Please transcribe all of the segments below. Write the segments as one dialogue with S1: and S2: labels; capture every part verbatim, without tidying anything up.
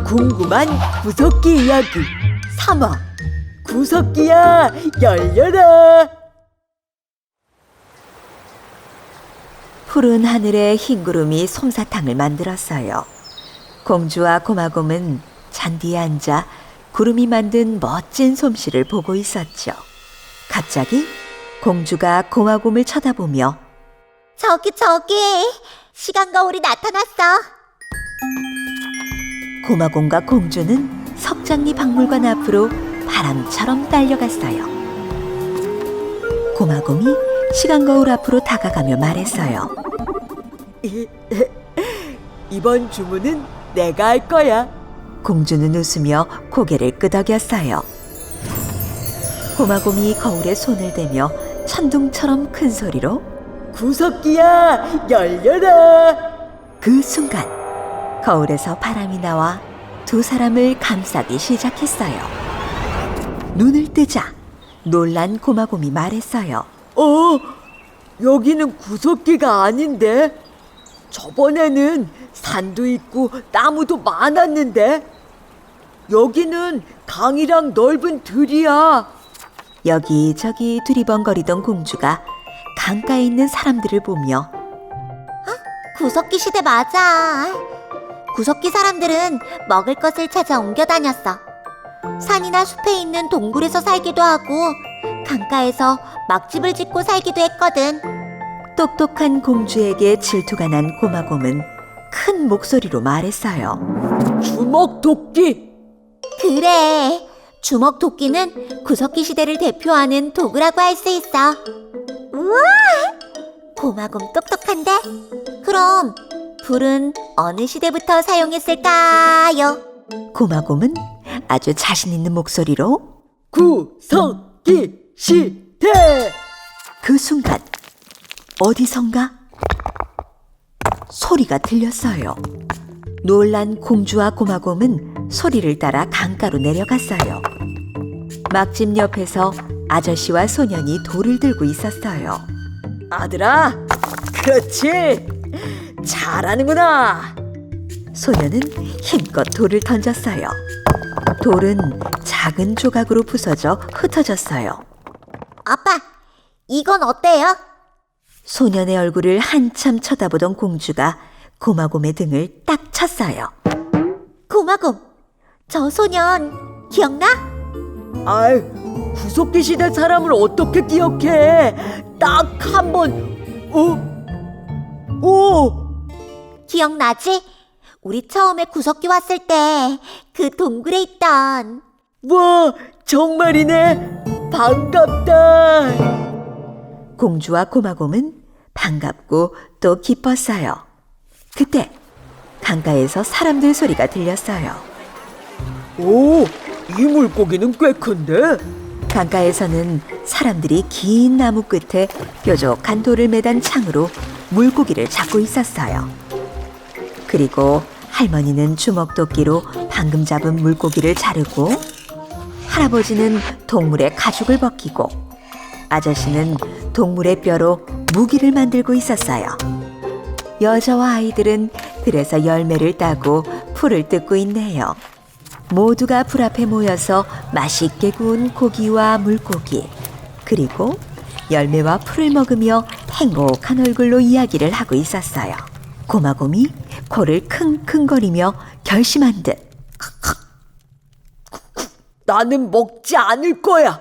S1: 궁금한 구석기 이야기 삼 화 구석기야 열려라.
S2: 푸른 하늘에 흰 구름이 솜사탕을 만들었어요. 공주와 고마곰은 잔디에 앉아 구름이 만든 멋진 솜씨를 보고 있었죠. 갑자기 공주가 고마곰을 쳐다보며
S3: 저기 저기 시간 거울이 나타났어.
S2: 고마곰과 공주는 석장리 박물관 앞으로 바람처럼 달려갔어요. 고마곰이 시간 거울 앞으로 다가가며 말했어요.
S1: 이번 주문은 내가 할 거야.
S2: 공주는 웃으며 고개를 끄덕였어요. 고마곰이 거울에 손을 대며 천둥처럼 큰 소리로
S1: 구석기야 열려라.
S2: 그 순간 거울에서 바람이 나와 두 사람을 감싸기 시작했어요. 눈을 뜨자 놀란 고마곰이 말했어요.
S1: 어, 여기는 구석기가 아닌데? 저번에는 산도 있고 나무도 많았는데? 여기는 강이랑 넓은 들이야.
S2: 여기저기 두리번거리던 공주가 강가에 있는 사람들을 보며
S3: 구석기 시대 맞아. 구석기 사람들은 먹을 것을 찾아 옮겨 다녔어. 산이나 숲에 있는 동굴에서 살기도 하고 강가에서 막집을 짓고 살기도 했거든.
S2: 똑똑한 공주에게 질투가 난 고마곰은 큰 목소리로 말했어요.
S1: 주먹도끼.
S3: 그래, 주먹도끼는 구석기 시대를 대표하는 도구라고 할 수 있어. 우와! 고마곰 똑똑한데? 그럼 불은 어느 시대부터 사용했을까요?
S2: 고마곰은 아주 자신 있는 목소리로
S1: 구석기 시대.
S2: 그 순간 어디선가 소리가 들렸어요. 놀란 공주와 고마곰은 소리를 따라 강가로 내려갔어요. 막집 옆에서 아저씨와 소년이 돌을 들고 있었어요.
S1: 아들아, 그렇지. 잘하는구나.
S2: 소년은 힘껏 돌을 던졌어요. 돌은 작은 조각으로 부서져 흩어졌어요.
S3: 아빠, 이건 어때요?
S2: 소년의 얼굴을 한참 쳐다보던 공주가 고마곰의 등을 딱 쳤어요.
S3: 고마곰, 저 소년 기억나?
S1: 아이, 구석기 시대 사람을 어떻게 기억해? 딱 한 번. 어? 오!
S3: 기억나지? 우리 처음에 구석기 왔을 때 그 동굴에 있던.
S1: 와, 정말이네. 반갑다.
S2: 공주와 고마곰은 반갑고 또 기뻤어요. 그때 강가에서 사람들 소리가 들렸어요.
S1: 오, 이 물고기는 꽤 큰데?
S2: 강가에서는 사람들이 긴 나무 끝에 뾰족한 돌을 매단 창으로 물고기를 잡고 있었어요. 그리고 할머니는 주먹도끼로 방금 잡은 물고기를 자르고, 할아버지는 동물의 가죽을 벗기고, 아저씨는 동물의 뼈로 무기를 만들고 있었어요. 여자와 아이들은 들에서 열매를 따고 풀을 뜯고 있네요. 모두가 불 앞에 모여서 맛있게 구운 고기와 물고기, 그리고 열매와 풀을 먹으며 행복한 얼굴로 이야기를 하고 있었어요. 고마곰이 코를 킁킁거리며 결심한 듯
S1: 나는 먹지 않을 거야.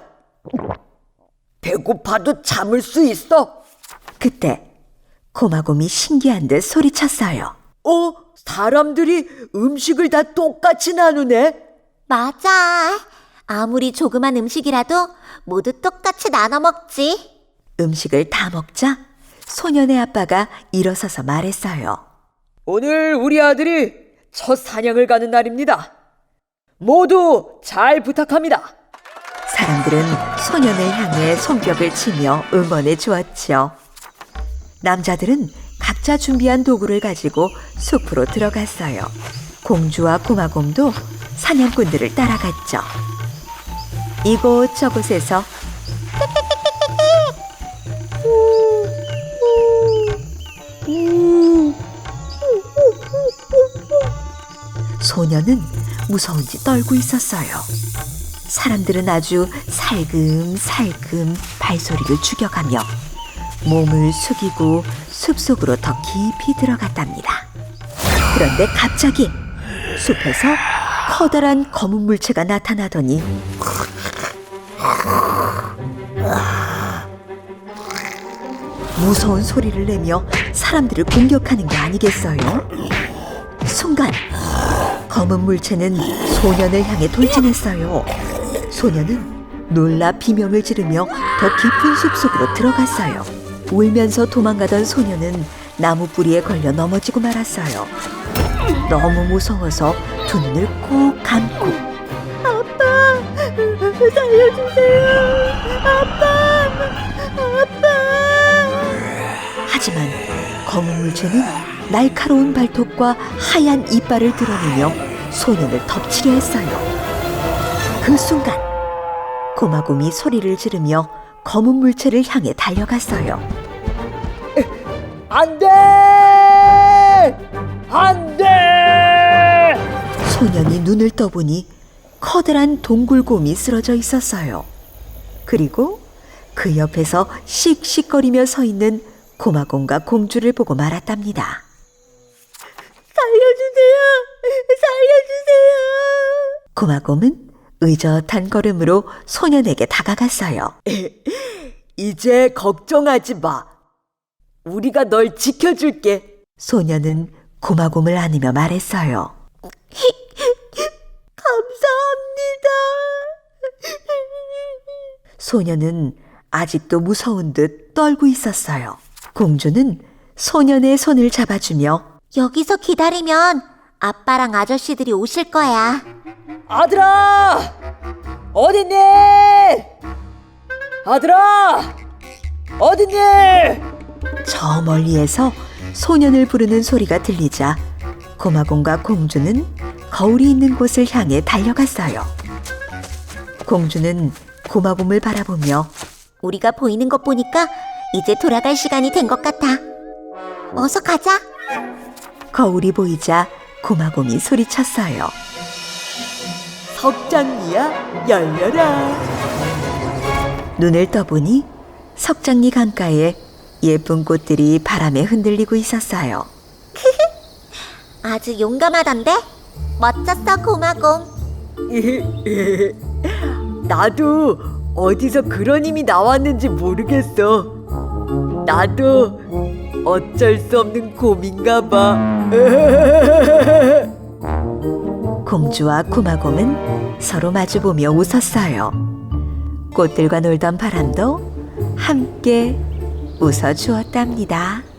S1: 배고파도 참을 수 있어.
S2: 그때 고마곰이 신기한 듯 소리쳤어요.
S1: 어? 사람들이 음식을 다 똑같이 나누네?
S3: 맞아. 아무리 조그만 음식이라도 모두 똑같이 나눠 먹지.
S2: 음식을 다 먹자 소년의 아빠가 일어서서 말했어요.
S1: 오늘 우리 아들이 첫 사냥을 가는 날입니다. 모두 잘 부탁합니다.
S2: 사람들은 소년을 향해 손뼉을 치며 응원해 주었죠. 남자들은 각자 준비한 도구를 가지고 숲으로 들어갔어요. 공주와 고마곰도 사냥꾼들을 따라갔죠. 이곳저곳에서 소년은 무서운지 떨고 있었어요. 사람들은 아주 살금살금 발소리를 죽여가며 몸을 숙이고 숲속으로 더 깊이 들어갔답니다. 그런데 갑자기 숲에서 커다란 검은 물체가 나타나더니 무서운 소리를 내며 사람들을 공격하는 게 아니겠어요? 순간 검은 물체는 소년을 향해 돌진했어요. 소년은 놀라 비명을 지르며 더 깊은 숲속으로 들어갔어요. 울면서 도망가던 소년은 나무 뿌리에 걸려 넘어지고 말았어요. 너무 무서워서 두 눈을 꼭 감고 아빠! 살려주세요! 아빠! 아빠! 하지만 검은 물체는 날카로운 발톱과 하얀 이빨을 드러내며 소년을 덮치려 했어요. 그 순간 고마곰이 소리를 지르며 검은 물체를 향해 달려갔어요.
S1: 안 돼! 안 돼!
S2: 소년이 눈을 떠보니 커다란 동굴곰이 쓰러져 있었어요. 그리고 그 옆에서 씩씩거리며 서 있는 고마곰과 공주를 보고 말았답니다.
S3: 살려주세요! 살려주세요!
S2: 고마곰은 의젓한 걸음으로 소년에게 다가갔어요.
S1: 이제 걱정하지 마. 우리가 널 지켜줄게.
S2: 소년은 고마곰을 안으며 말했어요.
S3: 감사합니다.
S2: 소년은 아직도 무서운 듯 떨고 있었어요. 공주는 소년의 손을 잡아주며
S3: 여기서 기다리면 아빠랑 아저씨들이 오실 거야.
S1: 아들아! 어딨니? 아들아! 어딨니?
S2: 저 멀리에서 소년을 부르는 소리가 들리자 고마곰과 공주는 거울이 있는 곳을 향해 달려갔어요. 공주는 고마곰을 바라보며
S3: 우리가 보이는 것 보니까 이제 돌아갈 시간이 된 것 같아. 어서 가자.
S2: 거울이 보이자 고마곰이 소리쳤어요.
S1: 석장리야, 열려라.
S2: 눈을 떠보니 석장리 강가에 예쁜 꽃들이 바람에 흔들리고 있었어요.
S3: 아주 용감하던데? 멋졌어, 고마곰.
S1: 나도 어디서 그런 힘이 나왔는지 모르겠어. 나도 어쩔 수 없는 곰인가 봐.
S2: 공주와 고마곰은 서로 마주보며 웃었어요. 꽃들과 놀던 바람도 함께 웃어주었답니다.